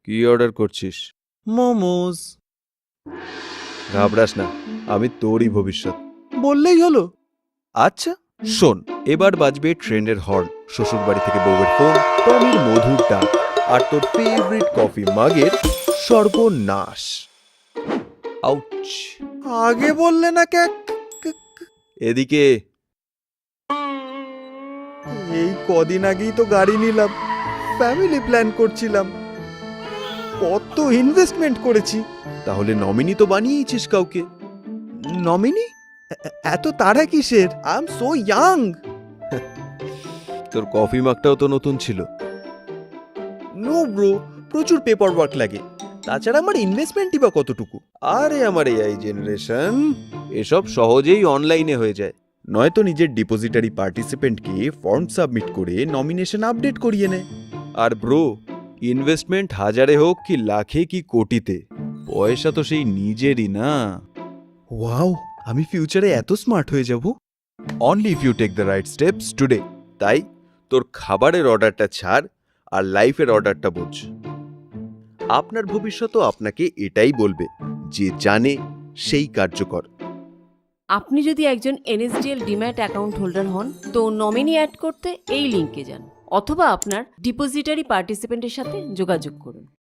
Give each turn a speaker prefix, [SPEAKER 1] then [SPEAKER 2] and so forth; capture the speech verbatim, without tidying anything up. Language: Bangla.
[SPEAKER 1] কি অর্ডার করছিস?
[SPEAKER 2] মোমোস।
[SPEAKER 1] ঘাবড়াস না, আমি তোরই ভবিষ্যৎ।
[SPEAKER 2] বললেই হলো।
[SPEAKER 1] আচ্ছা শোন, এবার বাজবে ট্রেন্ডের হর্ন, শ্বশুরবাড়ি থেকে বউয়ের ফোন, টমির মধুর ডাক, আর তোর ফেভারিট কফি মাগের সর্বনাশ। আউচ!
[SPEAKER 2] আগে বললে না কে?
[SPEAKER 1] এদিকে
[SPEAKER 2] এই কদিন আগেই তো গাড়ি নিলাম, ফ্যামিলি প্ল্যান করছিলাম, কত ইনভেস্টমেন্ট করেছি।
[SPEAKER 1] তাহলে নমিনি তো বানিয়েছিস কাউকে।
[SPEAKER 2] নমিনি? এত তাড়া কিসের? I am so young.
[SPEAKER 1] তোর কফি মাগটাও তো নতুন ছিল।
[SPEAKER 2] নো ব্রো, প্রচুর পেপার ওয়ার্ক লাগে, তাছাড়া আমার ইনভেস্টমেন্টই বা কতটুকু।
[SPEAKER 1] আরে আমার এআই জেনারেশন, এসব সহজেই অনলাইনে হয়ে যায়। নয়তো নিজের ডিপোজিটারি পার্টিসিপেন্টকে ফর্ম সাবমিট করে নমিনেশন আপডেট করিয়ে নেয়। আর ব্রো, ইনভেস্টমেন্ট হাজারে হোক কি লাখে কি কোটিতে, পয়সা তো সেই নিজেরই না।
[SPEAKER 2] ওয়াও, আমি ফিউচারে এত স্মার্ট হয়ে যাব।
[SPEAKER 1] Only if you take the right steps today. তাই তোর খাবারের অর্ডারটা ছাড় আর লাইফের অর্ডারটা বোঝ। আপনার ভবিষ্যৎও আপনাকে এটাই বলবে, যে জানে সেই কার্যকর।
[SPEAKER 3] আপনি যদি একজন এনএসডিএল ডিম্যাট অ্যাকাউন্ট হোল্ডার হন তো নমিনি অ্যাড করতে এই লিঙ্কে যান অথবা আপনার ডিপোজিটারি পার্টিসিপেন্টের সাথে যোগাযোগ করুন।